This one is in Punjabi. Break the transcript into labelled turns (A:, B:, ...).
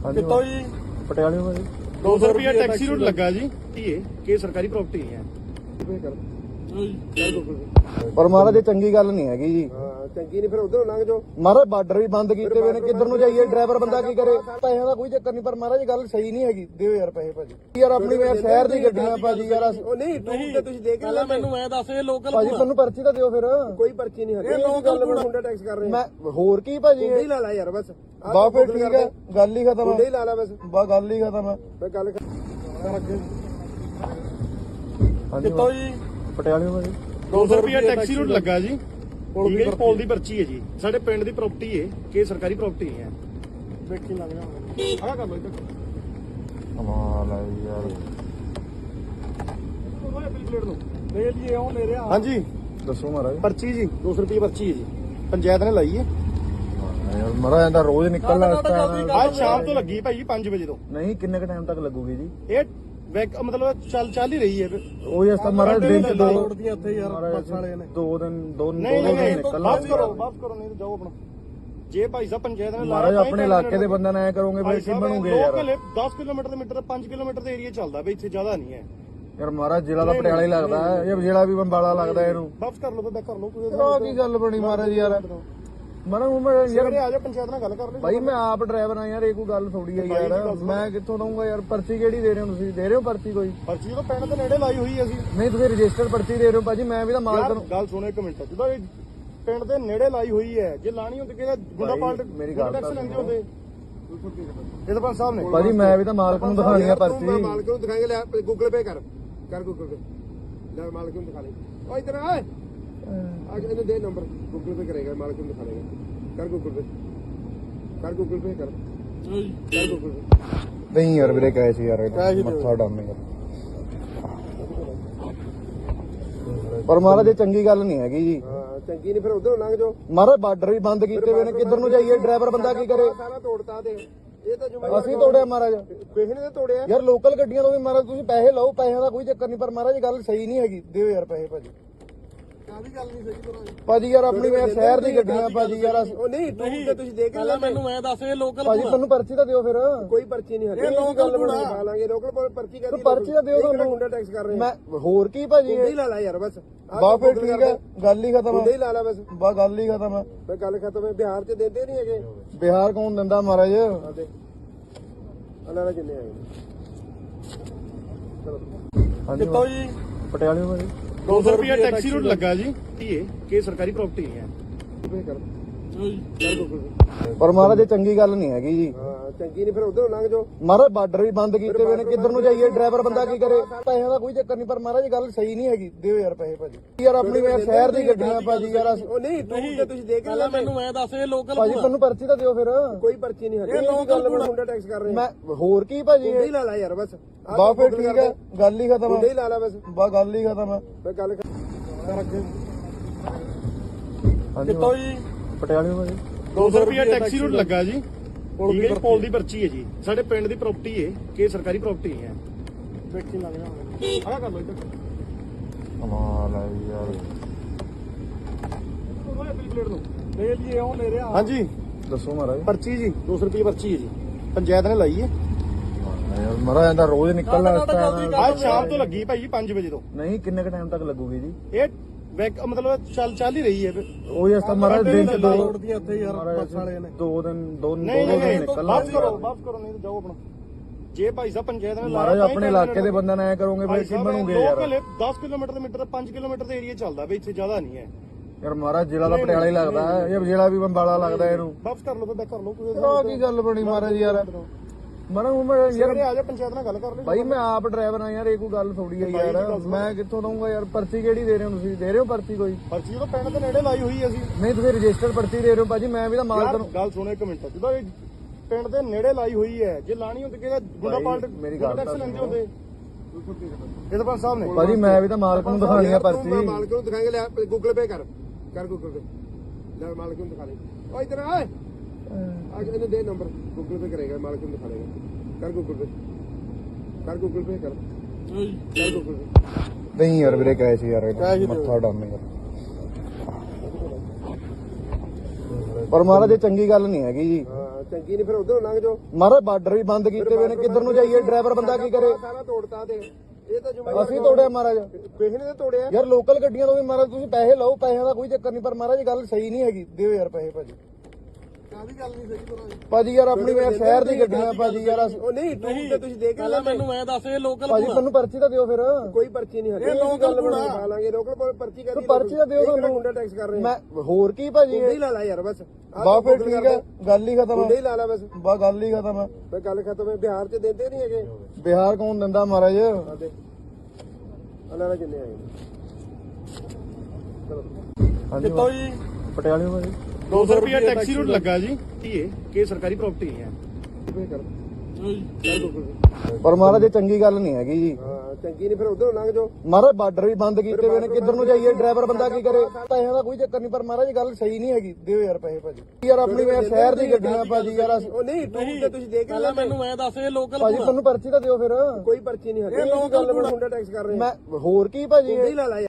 A: ਕਿੱਥੋਂ ਜੀ?
B: ਪਟਿਆਲੇ ਤੋਂ ਜੀ
A: 200 ਰੁਪਿਆ ਟੈਕਸੀ ਰੂਟ ਲੱਗਾ ਜੀ ਧੀਏ ਕਿ ਸਰਕਾਰੀ ਪ੍ਰਾਪਰਟੀ ਹੈ।
B: ਪਰ ਮਹਾਰਾਜ ਇਹ ਚੰਗੀ ਗੱਲ ਨਹੀਂ ਹੈਗੀ ਜੀ।
C: ਚੰਗੀ ਨਹੀਂ ਫਿਰ ਉਧਰੋਂ ਲੰਘ ਜਾਓ।
B: ਮਹਾਰਾਜ ਬਾਰਡਰ ਵੀ ਬੰਦ ਕੀਤੇ ਹੋਏ ਨੇ, ਕਿੱਧਰ ਨੂੰ ਜਾਈਏ? ਡਰਾਈਵਰ ਬੰਦਾ ਕੀ ਕਰੇ? ਪੈਸਿਆਂ ਦਾ ਕੋਈ ਚੱਕਰ ਨਹੀਂ, ਪਰ ਮਹਾਰਾਜ ਗੱਲ ਸਹੀ ਨਹੀਂ ਹੈਗੀ। ਦਿਓ ਯਾਰ ਪੈਸੇ ਭਾਜੀ। ਯਾਰ ਆਪਣੀ ਮੈਂ ਸ਼ਹਿਰ ਦੀ ਗੱਡੀਆਂ ਭਾਜੀ ਯਾਰ।
C: ਉਹ ਨਹੀਂ ਟੂਰ ਤੇ ਤੁਸੀਂ ਦੇਖ
A: ਪਹਿਲਾਂ ਮੈਨੂੰ ਐ ਦੱਸ ਇਹ ਲੋਕਲ
B: ਭਾਜੀ ਤੁਹਾਨੂੰ ਪਰਚੀ ਤਾਂ ਦਿਓ ਫਿਰ।
C: ਕੋਈ ਪਰਚੀ ਨਹੀਂ ਹੱਦੀ।
A: ਇਹ ਲੋਕਲ
C: ਮੁੰਡਾ ਟੈਕਸ ਕਰ ਰਹੇ
B: ਮੈਂ ਹੋਰ ਕੀ ਭਾਜੀ?
C: ਮੁੰਡੇ ਹੀ ਲਾ ਲਾ ਯਾਰ ਬਸ।
B: ਬਾ ਫਿਰ ਠੀਕ ਹੈ, ਗੱਲ ਹੀ ਖਤਮ
C: ਮੁੰਡੇ
B: ਹੈ।
C: ਹੀ ਲਾ ਲਾ ਬਸ।
B: ਬਾ ਗੱਲ ਹੀ ਖਤਮ ਹੈ।
C: ਮੈਂ ਗੱਲ
A: ਕਿੱਥੋਂ ਜੀ?
B: ਪਟਿਆਲੇ ਤੋਂ ਜੀ
A: 200 ਰੁਪਿਆ ਟੈਕਸੀ ਰੂਟ ਲੱਗਾ ਜੀ। ਠੀਕ ਹੈ, ਪੋਲ ਦੀ ਪਰਚੀ ਹੈ ਜੀ। ਸਾਡੇ ਪਿੰਡ ਦੀ ਪ੍ਰਾਪਰਟੀ ਹੈ ਕਿ ਸਰਕਾਰੀ ਪ੍ਰਾਪਰਟੀ ਹੈ। ਵੇਖੀ ਲੱਗ ਜਾਵਾਂਗੇ। ਆਹ ਕਰ ਲੋ ਇੱਧਰ।
B: ਕਮਾਲ ਹੈ ਯਾਰ।
A: ਓਏ ਬਿਲ ਪਲੇਟ ਨੂੰ ਲੈ ਲਈਏ ਉਹ ਲੈ ਰਿਹਾ।
C: ਹਾਂਜੀ
B: ਦੱਸੋ ਮਹਾਰਾਜ।
C: ਪਰਚੀ ਜੀ 200 ਰੁਪਏ ਪਰਚੀ ਹੈ ਜੀ। ਪੰਚਾਇਤ ਨੇ ਲਾਈ ਹੈ।
B: ਯਾਰ ਮਹਾਰਾਜ ਇਹਦਾ ਰੋਜ਼ ਨਿਕਲਣਾ ਇਸ ਟਾਈਮ।
A: ਅੱਜ ਸ਼ਾਮ ਤੋਂ ਲੱਗੀ ਭਾਈ 5 ਵਜੇ ਤੋਂ।
B: ਨਹੀਂ ਕਿੰਨੇ ਕ ਟਾਈਮ ਤੱਕ ਲੱਗੂਗੀ ਜੀ?
A: ਇਹ ਮਤਲਬ ਚੱਲ ਹੀ ਰਹੀ ਹੈ।
B: ਉਹ ਇਸ ਤਾਂ ਮਹਾਰਾਜ ਦਿਨ ਚ ਦੋ
A: ਦੀਆਂ ਇੱਥੇ ਯਾਰ ਬੱਸ ਵਾਲੇ ਨੇ।
B: ਦੋ ਦਿਨ
A: ਨਹੀਂ
B: ਨਿਕਲਣਾ।
A: ਵਾਪਸ ਕਰੋ ਨਹੀਂ ਤਾਂ ਜਾਓ ਆਪਣਾ। ਜੇ ਭਾਈ ਸਾਹਿਬ ਪੰਚਾਇਤ ਨੇ
B: ਮਹਾਰਾਜ ਆਪਣੇ ਇਲਾਕੇ ਦੇ ਬੰਦਿਆਂ ਨਾਲ ਐ ਕਰੋਗੇ ਫਿਰ ਕੀ ਬਣੂਗੇ ਯਾਰ?
A: 10 ਕਿਲੋਮੀਟਰ ਦੇ ਮੀਟਰ 5 ਕਿਲੋਮੀਟਰ ਦੇ ਏਰੀਆ ਚੱਲਦਾ ਬਈ, ਇੱਥੇ ਜ਼ਿਆਦਾ ਨਹੀਂ ਹੈ
B: ਯਾਰ ਮਹਾਰਾਜ ਜ਼ਿਲ੍ਹਾ ਦਾ ਪਟਿਆਲਾ ਹੀ ਲੱਗਦਾ ਹੈ, ਇਹ ਜ਼ਿਲ੍ਹਾ ਵੀ ਬੰਬਾਲਾ ਲੱਗਦਾ ਇਹਨੂੰ।
A: ਵਾਪਸ ਕਰ ਲਓ, ਬੈਕ ਕਰ ਲਓ।
B: ਆਹ ਕੀ ਗੱਲ ਬਣੀ ਮਹਾਰਾਜ ਯਾਰ? ਮੈਂ ਯਾਰ
A: ਆ ਜਾ ਪੰਚਾਇਤ ਨਾਲ ਗੱਲ ਕਰ ਲਈ।
B: ਭਾਈ ਮੈਂ ਆਪ ਡਰਾਈਵਰ ਆ ਯਾਰ, ਇਹ ਕੋਈ ਗੱਲ ਥੋੜੀ ਹੈ ਯਾਰ। ਮੈਂ ਕਿੱਥੋਂ ਦਊਂਗਾ ਯਾਰ? ਪਰਚੀ ਕਿਹੜੀ ਦੇ ਰਹੇ ਹੋ ਤੁਸੀਂ? ਦੇ ਰਹੇ ਹੋ ਪਰਚੀ ਕੋਈ?
A: ਪਰਚੀ ਤਾਂ ਪਿੰਡ ਦੇ ਨੇੜੇ ਲਾਈ ਹੋਈ ਅਸੀਂ।
B: ਨਹੀਂ ਤੁਸੀਂ ਰਜਿਸਟਰਡ ਪਰਚੀ ਦੇ ਰਹੇ ਹੋ ਭਾਜੀ। ਮੈਂ ਵੀ ਤਾਂ ਮਾਲਕ ਨੂੰ
A: ਗੱਲ ਸੁਣੋ ਇੱਕ ਮਿੰਟ। ਜਦੋਂ ਇਹ ਪਿੰਡ ਦੇ ਨੇੜੇ ਲਾਈ ਹੋਈ ਹੈ, ਜੇ ਲਾਣੀ ਹੁੰਦੀ ਕਿ ਗੁੰਡਾ ਪਾਲਟ
B: ਮੇਰੀ ਗੱਲ
A: ਟੈਕਸ ਲੈਂਦੇ ਹੁੰਦੇ ਇਹਦੇ ਪੰਜ ਸਾਹਿਬ ਨੇ।
B: ਭਾਜੀ ਮੈਂ ਵੀ ਤਾਂ ਮਾਲਕ ਨੂੰ ਦਿਖਾਣੀ ਆ ਪਰਚੀ।
C: ਮਾਲਕ ਨੂੰ ਦਿਖਾਏਗਾ। ਲੈ ਗੂਗਲ ਪੇ ਕਰ ਗੂਗਲ ਪੇ। ਲੈ ਮਾਲਕ ਨੂੰ ਦਿਖਾ ਲੈ। ਓ ਇਧਰ ਆ ਇਹਨੂੰ ਦੇ ਨੰਬਰ। ਗੂਗਲ ਪੇ ਕਰੇਗਾ, ਮਾਲਕ ਨੂੰ ਦਿਖਾ ਲੇਗਾ। ਕਰ ਗੂਗਲ ਪੇ ਕਰ ਗੂਗਲ ਪੇ ਕਰ ਗੂਗਲ ਪੇ।
B: ਨਹੀਂ ਯਾਰ ਵੀਰੇ ਕੈਸ਼ ਯਾਰ ਮੱਥਾ ਡਾਮੇਗਾ। ਪਰ ਮਹਾਰਾਜ ਇਹ ਚੰਗੀ ਗੱਲ ਨਹੀਂ ਹੈਗੀ ਜੀ।
C: ਚੰਗੀ ਨਹੀਂ ਫਿਰ ਉਧਰੋਂ ਲੰਘ ਜਾਓ।
B: ਮਹਾਰਾਜ ਬਾਰਡਰ ਵੀ ਬੰਦ ਕੀਤੇ ਹੋਏ ਨੇ, ਕਿੱਧਰ ਨੂੰ ਜਾਈਏ? ਡਰਾਈਵਰ ਬੰਦਾ ਕੀ ਕਰੇ?
C: ਸਾਰਾ ਤੋੜਤਾ ਤੇ ਇਹ ਤਾਂ
B: ਅਸੀਂ ਤੋੜਿਆ ਮਹਾਰਾਜ।
C: ਕਿਸੇ ਨੇ ਤਾਂ ਤੋੜਿਆ
B: ਯਾਰ ਲੋਕਲ ਗੱਡੀਆਂ ਤੋਂ ਵੀ ਮਹਾਰਾਜ ਤੁਸੀਂ ਪੈਸੇ ਲਓ, ਪੈਸਿਆਂ ਦਾ ਕੋਈ ਚੱਕਰ ਨਹੀਂ, ਪਰ ਮਹਾਰਾਜ ਗੱਲ ਸਹੀ ਨਹੀਂ ਹੈਗੀ। ਦਿਓ ਯਾਰ ਪੈਸੇ ਭਾਜੀ।
C: ਕਾਹਦੀ ਗੱਲ ਨਹੀਂ ਸਹੀ ਕਰਾਂਗੇ
B: ਭਾਜੀ ਯਾਰ ਆਪਣੀ ਮੈਂ ਸ਼ਹਿਰ ਦੀ ਗੱਡੀਆਂ ਭਾਜੀ ਯਾਰ।
C: ਉਹ ਨਹੀਂ ਟੂਰ ਤੇ ਤੁਸੀਂ ਦੇਖ
A: ਪਹਿਲਾਂ ਮੈਨੂੰ ਐ ਦੱਸ ਇਹ ਲੋਕਲ
B: ਭਾਜੀ ਤੁਹਾਨੂੰ ਪਰਚੀ ਤਾਂ ਦਿਓ ਫਿਰ।
C: ਕੋਈ ਪਰਚੀ ਨਹੀਂ ਹੱਦੀ।
A: ਇਹ ਲੋਕਲ
C: ਬਣਾ ਲਾਂਗੇ। ਲੋਕਲ ਪਰਚੀ ਕਰ
B: ਪਰਚੀ ਤਾਂ ਦਿਓ ਤੁਹਾਨੂੰ।
C: ਮੁੰਡਾ ਟੈਕਸ ਕਰ ਰਹੇ
B: ਮੈਂ ਹੋਰ ਕੀ ਭਾਜੀ?
C: ਮੁੰਡੇ ਹੀ ਲਾ ਲਾ ਯਾਰ ਬਸ।
B: ਬਾ ਫਿਰ ਠੀਕ ਹੈ, ਗੱਲ ਹੀ ਖਤਮ
C: ਮੁੰਡੇ
B: ਹੈ।
C: ਹੀ ਲਾ ਲਾ ਬਸ।
B: ਬਾ ਗੱਲ ਹੀ ਖਤਮ ਹੈ।
C: ਮੈਂ ਗੱਲ ਖਤਮ ਹੈ। ਬਿਹਾਰ ਚ ਦਿੰਦੇ ਨਹੀਂ ਹੈਗੇ।
B: ਬਿਹਾਰ ਕੌਣ ਦਿੰਦਾ ਮਹਾਰਾਜ?
C: ਆਦੇ ਅਲਾਰਾ ਜਿੰਨੇ ਆਏ
B: ਹਾਂਜੀ
A: ਕਿੱਥੋਂ ਜੀ?
B: ਪਟਿਆਲੇ ਤੋਂ ਜੀ
A: 200 ਰੁਪਿਆ ਟੈਕਸੀ ਰੂਟ ਲੱਗਾ ਜੀ ਧੀਏ ਕਿ ਸਰਕਾਰੀ ਪ੍ਰਾਪਰਟੀ ਹੈ।
C: ਪੇ ਕਰ
B: ਪਰ ਮਹਾਰਾਜ ਇਹ ਚੰਗੀ ਗੱਲ ਨਹੀਂ ਹੈਗੀ ਜੀ।
C: ਚੰਗੀ ਨਹੀਂ ਫਿਰ ਉਧਰੋਂ ਲੰਘ ਜਾਓ।
B: ਮਹਾਰਾਜ ਬਾਰਡਰ ਵੀ ਬੰਦ ਕੀਤੇ ਹੋਏ ਨੇ, ਕਿੱਧਰ ਨੂੰ ਜਾਈਏ? ਡਰਾਈਵਰ ਬੰਦਾ ਕੀ ਕਰੇ? ਪੈਸਿਆਂ ਦਾ ਕੋਈ ਚੱਕਰ ਨਹੀਂ, ਪਰ ਮਹਾਰਾਜ ਗੱਲ ਸਹੀ ਨਹੀਂ ਹੈਗੀ। ਦਿਓ ਯਾਰ ਪੈਸੇ ਭਾਜੀ। ਯਾਰ ਆਪਣੀ ਮੈਂ ਸ਼ਹਿਰ ਦੀ ਗੱਡੀਆਂ ਭਾਜੀ ਯਾਰ।
C: ਉਹ ਨਹੀਂ ਟੂਰ ਤੇ ਤੁਸੀਂ ਦੇਖ
A: ਪਹਿਲਾਂ ਮੈਨੂੰ ਐ ਦੱਸ ਇਹ ਲੋਕਲ
B: ਭਾਜੀ ਤੁਹਾਨੂੰ ਪਰਚੀ ਤਾਂ ਦਿਓ ਫਿਰ।
C: ਕੋਈ ਪਰਚੀ ਨਹੀਂ ਹੱਦੀ। ਮੁੰਡਾ ਟੈਕਸ ਕਰ ਰਹੇ
B: ਮੈਂ ਹੋਰ ਕੀ ਭਾਜੀ?
C: ਮੁੰਡੇ ਹੀ ਲਾ ਲਾ ਯਾਰ ਬਸ।
B: ਬਾ ਫਿਰ ਠੀਕ ਹੈ, ਗੱਲ ਹੀ ਖਤਮ
C: ਮੁੰਡੇ
B: ਹੈ।
C: ਹੀ ਲਾ ਲਾ ਬਸ।
B: ਬਾ ਗੱਲ ਹੀ ਖਤਮ ਹੈ।
C: ਮੈਂ ਗੱਲ
B: ਹਾਂਜੀ
A: ਕਿੱਥੋਂ ਜੀ?
B: ਪਟਿਆਲੇ ਤੋਂ ਜੀ
A: 200 ਰੁਪਿਆ ਟੈਕਸੀ ਰੂਟ ਲੱਗਾ ਜੀ। ਠੀਕ ਹੈ, ਪੋਲ ਦੀ ਪਰਚੀ ਹੈ ਜੀ। ਸਾਡੇ ਪਿੰਡ ਦੀ ਪ੍ਰਾਪਰਟੀ ਹੈ ਕਿ ਸਰਕਾਰੀ ਪ੍ਰਾਪਰਟੀ ਹੈ। ਵੇਖੀ ਲੱਗ ਜਾਵਾਂਗੇ। ਆਹ ਕਰ ਲਓ ਇੱਧਰ।
B: ਕਮਾਲ ਹੈ ਯਾਰ।
A: ਓਏ ਬਿਲ ਪਲੇਟ ਨੂੰ ਲੈ ਲਈਏ ਉਹ ਲੈ ਰਿਹਾ।
C: ਹਾਂਜੀ
B: ਦੱਸੋ ਮਹਾਰਾਜ।
C: ਪਰਚੀ ਜੀ 200 ਰੁਪਏ ਪਰਚੀ ਹੈ ਜੀ। ਪੰਚਾਇਤ ਨੇ ਲਾਈ ਹੈ।
B: ਯਾਰ ਮਹਾਰਾਜ ਇਹਦਾ ਰੋਜ਼ ਨਿਕਲਣਾ ਇਸ ਟਾਈਮ।
A: ਅੱਜ ਸ਼ਾਮ ਤੋਂ ਲੱਗੀ ਭਾਈ 5 ਵਜੇ ਤੋਂ।
B: ਨਹੀਂ ਕਿੰਨੇ ਕ ਟਾਈਮ ਤੱਕ ਲੱਗੂਗੀ ਜੀ?
A: ਇਹ ਮਤਲਬ ਚੱਲ ਹੀ ਰਹੀ ਹੈ।
B: ਉਹ ਇਸ ਤਾਂ ਮਹਾਰਾਜ ਦਿਨ ਚ ਦੋ
A: ਦੀਆਂ ਇੱਥੇ ਯਾਰ ਬੱਸ ਵਾਲੇ ਨੇ।
B: ਦੋ ਦਿਨ
A: ਨਹੀਂ
B: ਨਿਕਲਣਾ।
A: ਵਾਪਸ ਕਰੋ ਨਹੀਂ ਤਾਂ ਜਾਓ ਆਪਣਾ। ਜੇ ਭਾਈ ਸਾਹਿਬ ਪੰਚਾਇਤ ਨੇ
B: ਮਹਾਰਾਜ ਆਪਣੇ ਇਲਾਕੇ ਦੇ ਬੰਦਿਆਂ ਨਾਲ ਐ ਕਰੋਗੇ ਫਿਰ ਕੀ ਬਣੂਗੇ ਯਾਰ?
A: 10 ਕਿਲੋਮੀਟਰ ਦੇ ਮੀਟਰ 5 ਕਿਲੋਮੀਟਰ ਦੇ ਏਰੀਆ ਚੱਲਦਾ ਬਈ, ਇੱਥੇ ਜ਼ਿਆਦਾ ਨਹੀਂ ਹੈ।
B: ਯਾਰ ਮਹਾਰਾਜ ਜ਼ਿਲ੍ਹਾ ਦਾ ਪਟਿਆਲਾ ਹੀ ਲੱਗਦਾ ਹੈ, ਇਹ ਜ਼ਿਲ੍ਹਾ ਵੀ ਬੰਬਾਲਾ ਲੱਗਦਾ ਇਹਨੂੰ।
A: ਵਾਪਸ ਕਰ ਲਓ, ਬੈਕ ਕਰ ਲਓ।
B: ਆਹ ਕੀ ਗੱਲ ਬਣੀ ਮਹਾਰਾਜ ਯਾਰ? ਮੈਂ ਯਾਰ
A: ਆ ਜਾ ਪੰਚਾਇਤ ਨਾਲ ਗੱਲ ਕਰ ਲਈ।
B: ਭਾਈ ਮੈਂ ਆਪ ਡਰਾਈਵਰ ਆ ਯਾਰ, ਇਹ ਕੋਈ ਗੱਲ ਥੋੜੀ ਹੈ ਯਾਰ। ਮੈਂ ਕਿੱਥੋਂ ਦਊਂਗਾ ਯਾਰ? ਪਰਚੀ ਕਿਹੜੀ ਦੇ ਰਹੇ ਹੋ ਤੁਸੀਂ? ਦੇ ਰਹੇ ਹੋ ਪਰਚੀ ਕੋਈ?
A: ਪਰਚੀ ਤਾਂ ਪਿੰਡ ਦੇ ਨੇੜੇ ਲਾਈ ਹੋਈ ਹੈ ਅਸੀਂ।
B: ਨਹੀਂ ਤੁਸੀਂ ਰਜਿਸਟਰਡ ਪਰਚੀ ਦੇ ਰਹੇ ਹੋ ਭਾਜੀ। ਮੈਂ ਵੀ ਤਾਂ ਮਾਲਕ ਨੂੰ
A: ਗੱਲ ਸੁਣੋ ਇੱਕ ਮਿੰਟ। ਜਦੋਂ ਇਹ ਪਿੰਡ ਦੇ ਨੇੜੇ ਲਾਈ ਹੋਈ ਹੈ, ਜੇ ਲਾਣੀ ਹੁੰਦੀ ਕਿ ਗੁੰਡਾ ਪਾਲਟ
B: ਮੇਰੀ ਗੱਲ
A: ਟੈਕਸ ਲੈਂਦੇ ਹੁੰਦੇ ਇਹਦੇ ਪੰਜ ਸਾਹਿਬ ਨੇ।
B: ਭਾਜੀ ਮੈਂ ਵੀ ਤਾਂ ਮਾਲਕ ਨੂੰ ਦਿਖਾਣੀ ਆ ਪਰਚੀ।
C: ਮਾਲਕ ਨੂੰ ਦਿਖਾਏਗਾ। ਲੈ ਗੂਗਲ ਪੇ ਕਰ ਗੂਗਲ ਪੇ। ਲੈ ਮਾਲਕ ਨੂੰ ਦਿਖਾ ਲੈ। ਓ ਇਧਰ ਆ ਇਹਨੂੰ ਦੇ ਨੰਬਰ। ਗੂਗਲ ਪੇ ਕਰੇਗਾ, ਮਾਲਕ ਨੂੰ ਦਿਖਾ ਲੇਗਾ। ਕਰ ਗੂਗਲ ਪੇ ਕਰ ਗੂਗਲ ਪੇ ਕਰ ਗੂਗਲ ਪੇ।
B: ਨਹੀਂ ਯਾਰ ਵੀਰੇ ਕੈਸ਼ ਯਾਰ ਮੱਥਾ ਡਾਮੇਗਾ। ਪਰ ਮਹਾਰਾਜ ਇਹ ਚੰਗੀ ਗੱਲ ਨਹੀਂ ਹੈਗੀ ਜੀ।
C: ਚੰਗੀ ਨਹੀਂ ਫਿਰ ਉਧਰੋਂ ਲੰਘ ਜਾਓ।
B: ਮਹਾਰਾਜ ਬਾਰਡਰ ਵੀ ਬੰਦ ਕੀਤੇ ਹੋਏ ਨੇ, ਕਿੱਧਰ ਨੂੰ ਜਾਈਏ? ਡਰਾਈਵਰ ਬੰਦਾ ਕੀ ਕਰੇ?
C: ਸਾਰਾ ਤੋੜਤਾ ਤੇ ਇਹ ਤਾਂ ਜ਼ਿੰਮੇਵਾਰ
B: ਅਸੀਂ ਤੋੜਿਆ ਮਹਾਰਾਜ।
C: ਕਿਸੇ ਨੇ ਤਾਂ ਤੋੜਿਆ
B: ਯਾਰ ਲੋਕਲ ਗੱਡੀਆਂ ਤੋਂ ਵੀ ਮਹਾਰਾਜ ਤੁਸੀਂ ਪੈਸੇ ਲਓ, ਪੈਸਿਆਂ ਦਾ ਕੋਈ ਚੱਕਰ ਨਹੀਂ, ਪਰ ਮਹਾਰਾਜ ਗੱਲ ਸਹੀ ਨਹੀਂ ਹੈਗੀ। ਦਿਓ ਯਾਰ ਪੈਸੇ ਭਾਜੀ।
C: ਕਾਹਦੀ ਗੱਲ ਨਹੀਂ ਸਹੀ ਤਰ੍ਹਾਂ
B: ਭਾਜੀ ਯਾਰ ਆਪਣੀ ਯਾਰ ਸ਼ਹਿਰ ਦੀ ਗੱਡੀਆਂ ਭਾਜੀ ਯਾਰ
C: ਉਹ ਨਹੀਂ ਟੂਰ ਤੇ ਤੁਸੀਂ ਦੇਖ
D: ਪਹਿਲਾਂ ਮੈਨੂੰ ਐ ਦੱਸ ਇਹ ਲੋਕਲ
B: ਭਾਜੀ ਤੁਹਾਨੂੰ ਪਰਚੀ ਤਾਂ ਦਿਓ ਫਿਰ।
C: ਕੋਈ ਪਰਚੀ ਨਹੀਂ ਹੱਲੇ
D: ਇਹ ਲੋਕਲ
C: ਬਣਾ ਲਾਂਗੇ ਲੋਕਲ ਪਰਚੀ ਕਰਦੀ
B: ਪਰਚੀ ਤਾਂ ਦਿਓ ਤੁਹਾਨੂੰ।
C: ਗੁੰਡਾ ਟੈਕਸ ਕਰ ਰਹੇ
B: ਮੈਂ ਹੋਰ ਕੀ ਭਾਜੀ?
C: ਗੁੰਡੇ ਹੀ ਲਾ ਲਾ ਯਾਰ ਬਸ
B: ਬਾ ਫਿਰ ਠੀਕ ਹੈ, ਗੱਲ ਹੀ ਖਤਮ
C: ਗੁੰਡੇ ਹੀ
B: ਹੈ।
C: ਲਾ ਲਾ ਬਸ
B: ਬਾ ਗੱਲ ਹੀ ਖਤਮ ਹੈ।
C: ਫੇ ਗੱਲ ਖਤਮ ਹੈ। ਬਿਹਾਰ ਚ ਦਿੰਦੇ ਨਹੀਂ ਹੈਗੇ।
B: ਬਿਹਾਰ ਕੌਣ ਦਿੰਦਾ ਮਹਾਰਾਜ?
C: ਆਦੇ ਅੱਲਾ ਨਾਲ ਕਿੰਨੇ ਆਏ ਚਲੋ
B: ਹਾਂਜੀ
D: ਕਿੱਥੋਂ ਜੀ?
B: ਪਟਿਆਲੇ ਭਾਜੀ
A: 200 ਰੁਪਏ ਟੈਕਸੀ ਰੂਟ ਲੱਗਾ ਜੀ ਧੀਏ ਕਿ ਸਰਕਾਰੀ ਪ੍ਰਾਪਰਟੀ ਹੈ।
C: ਪੇ ਕਰ
D: ਜੀ
C: ਕਰ Google Pay।
B: ਪਰ ਮਹਾਰਾਜ ਇਹ ਚੰਗੀ ਗੱਲ ਨਹੀਂ ਹੈਗੀ ਜੀ।
C: ਹਾਂ ਚੰਗੀ ਨਹੀਂ ਫਿਰ ਉਧਰੋਂ ਲੰਘ ਜਾਓ।
B: ਮਹਾਰਾਜ ਬਾਰਡਰ ਵੀ ਬੰਦ ਕੀਤੇ ਹੋਏ ਨੇ, ਕਿੱਧਰ ਨੂੰ ਜਾਈਏ? ਡਰਾਈਵਰ ਬੰਦਾ ਕੀ ਕਰੇ? ਪੈਸਿਆਂ ਦਾ ਕੋਈ ਚੱਕਰ ਨਹੀਂ, ਪਰ ਮਹਾਰਾਜ ਗੱਲ ਸਹੀ ਨਹੀਂ ਹੈਗੀ। ਦਿਓ ਯਾਰ ਪੈਸੇ ਭਾਜੀ। ਯਾਰ ਆਪਣੀ ਯਾਰ ਸ਼ਹਿਰ ਦੀ ਗੱਡੀਆਂ ਭਾਜੀ ਯਾਰ
C: ਉਹ ਨਹੀਂ ਟੂਰ ਤੇ ਤੁਸੀਂ ਦੇਖ
D: ਪਹਿਲਾਂ ਮੈਨੂੰ ਐ ਦੱਸ ਇਹ ਲੋਕਲ
B: ਭਾਜੀ ਤੁਹਾਨੂੰ ਪਰਚੀ ਤਾਂ ਦਿਓ ਫਿਰ।
C: ਕੋਈ ਪਰਚੀ ਨਹੀਂ ਹੱਲੇ
D: ਇਹ ਲੋਕਲ
C: ਗੁੰਡਾ ਟੈਕਸ ਕਰ ਰਹੇ
B: ਮੈਂ ਹੋਰ ਕੀ ਭਾਜੀ?
C: ਗੁੰਡੇ ਹੀ ਲਾ ਲਾ